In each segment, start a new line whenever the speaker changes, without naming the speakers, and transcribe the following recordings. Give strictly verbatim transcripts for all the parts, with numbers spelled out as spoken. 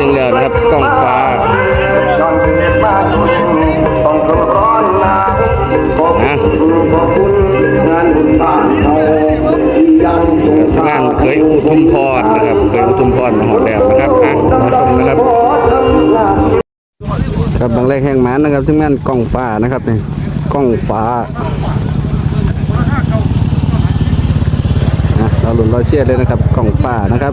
งแล้วนะครับกล้องฟ้านะงานเคยอุทุมพรนะครับเคยอุทุมพรมาหอดแล้วนะครับอ่ะมาชมนะครับครับบางแรกแห่งมันนะครับที่งานกล้องฟ้านะครับนี่กล้องฟ้าเราหลุนเราเชื่อเลยนะครับกล้องฟ้านะครับ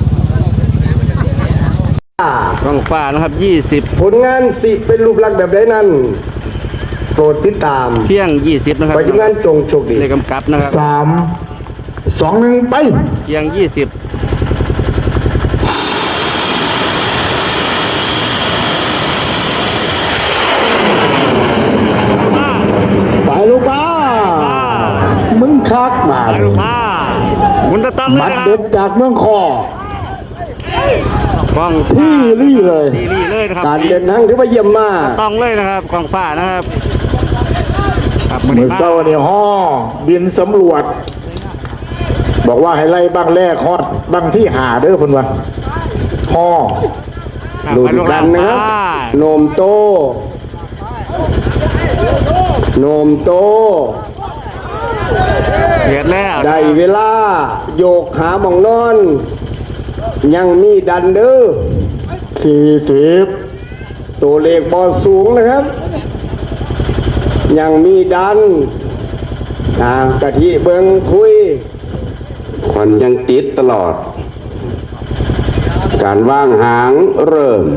กล้องฟ้านะครับยี่สิบ
ผลงานสิเป็นรูปลักษณ์แบบใดนั้นโปรดติดตาม
เที่ยงยี่สิบนะครับ
ไปดูงานจงโชคดี
ในกำกับนะครับ
สามสองหนึ่งไป
เที่ยงยี่สิบ
ไปลูกป้ามึงคักมา
ลูกป้ามุนตะตั้ม
มัดเด็ดจากเมืองคอ
กล้อง
ที่รี่เลย
ที่รี่เลยนะครับ
การเดินทางถือว่าเยี่ยมมาก
ต้องเลยนะครับกล้องฟ้านะครับ
เมื่อเช้าเนี่ยห่อบินสำรวจบอกว่าให้ไล่บ้างแรกฮอดบ้างที่หาเด้อคนวะห่อดูกันนะครับโนมโตโนมโต
เดือดแล้ว
ได้เวลาโยกหาหมองนอนยังมีดันเด้อสี่สิบตัวเลขบอลสูงนะครับยังมีดันอ่ากะทิเบิงคุยควันยังติดตลอดการว่างหางเริ่ม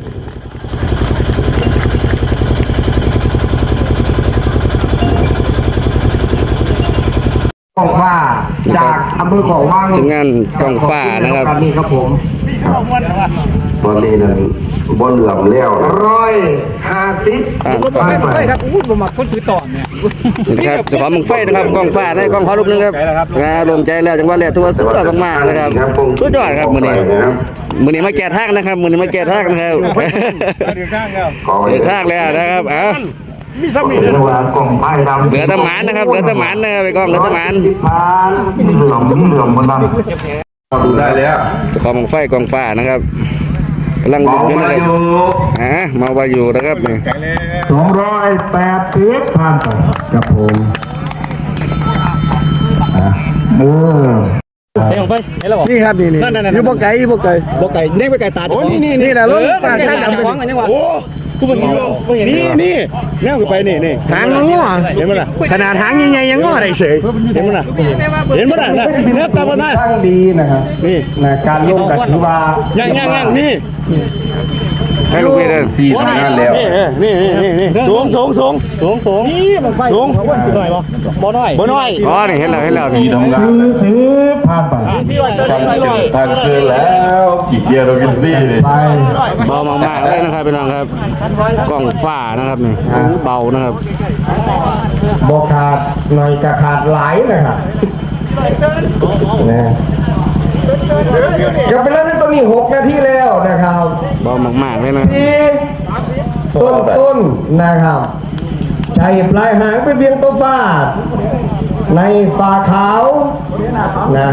กองฟ้าจากอำเภอขอว่าง
ถึงงานกองฟ้านะครับ
นี่ครับผม
ตอนนี้นั้นบนเหล่าเลี้ยว
ร้อยห้าสิบ
ไปไปครับอุ้ยผมมาคนถือต่อเนี่ย
นะครับขอมึงไฟนะครับกองฟ้าได้กองขอรูปนึงครับนะลงใจแล้วจังหวะแรกตัวสุดยอดมากๆนะครับสุดยอดครับมือนี้มือนี้มาแก่ทางนะครับมือนี้มาแก่ทางนะครับ
ถือข้างแล้ว
ถือทางแล้วนะครับเอ้า
มีสมิธ
เห
ลือตะหมานนะครับเหลือตะหมานนะครับไปกองเหลือตะหมาน
เหลื่อมเหลื่อมมันนั่นดูได้แล้ว
กองไฟกองฟ้านะครับกำลังดุอยู่นะครับอ่ามาว่าอยู่นะครับนี่
สองร้อยแปดสิบพันครับผมเออ
เฮ้ยของไฟเห็นแล้วบอก
นี่ครับนี่นี่นี่บ่ไก่บ่ไก่
บ่ไก่เน่งไปไก่ตาโอ้นี่นี่
นี่แหละรถ
ตาข้างดำฟ้องกันยังวะโอ้กูเป็นนี่นี่แนวขึ้นไปนี่นี่
หางง้อ
เห็นมั้ยล่ะ
ขนาดหางใหญ่ๆยังง้อได้เฉย
เห็นมั้ยล่ะเห็นมั้ยล่ะนะแนวตาบ่ได้
ตั้งดีนะครับนี่นะการลงกันถือว่า
ยังยังยังนี่
ให้ลูกพี่เดิน
สี่ทำงานแล้ว
นี่นี่นี่นี่สูงสูงสูงสูงสูงนี่มันไฟสูงหน่อยบ่บ่น้อยบ่น้อย
อ๋อนี่เห็นแล้วเห็นแล้ว
สี่ทำงาน
สี่ผ่านไป
สี่ร้อยต้นสี่ร้อย
ทางเชื่อแล้วกี่เกียร์เรากินซี่เลย
ไป
เบามากๆเลยนะครับพี่น้องครับกล้องฟ้านะครับนี่เบานะครับ
บ่ขาดหน่อยกะขาดหลายนะครับนะกับไปแล้วในตอนนี้หกนาทีแล้วนะครับ
เบามากๆเลยนะ
สี่ต้นต้นนะครับใจปลายหางเป็นเพียงตัวฟาดในฝ่าขาวนะ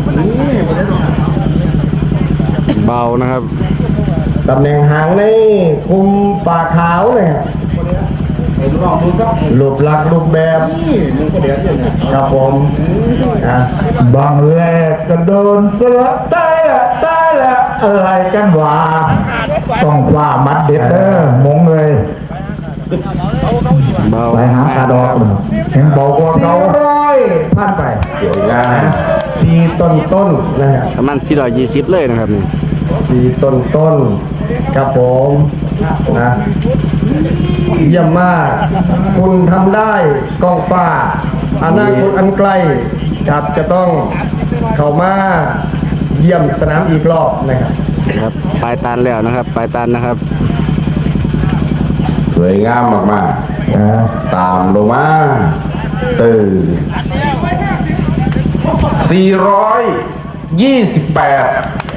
เบานะครับ
ตำแหน่งหางในคุมฝ่าขาวเนี่ยรูปลักษณ์รูปแบบครับผมบางแรกก็โดนสลับตายละตายละอะไรกันวะต้องว่ามัดเด็ดเด้อมงเลยไปหาคาดอกเห็นบอกว่าเขาร้อยพันไปเดี๋ยวนะสี่ต้นต้นนะครับ
ประมาณสี่ร้อยยี่สิบเลยนะครับนี่
สี่ต้นต้นครับผมนะเยี่ยมมากคุณทำได้กองฟ้าอนาคตอันไกลครับจะต้องเข้ามาเยี่ยมสนามอีกรอบนะครับ
ครับปลายตันแล้วนะครับปลายตันนะครับ
สวยงามมากๆนะตามลงมาตื่นสี่ร้อยยี่สิบแปด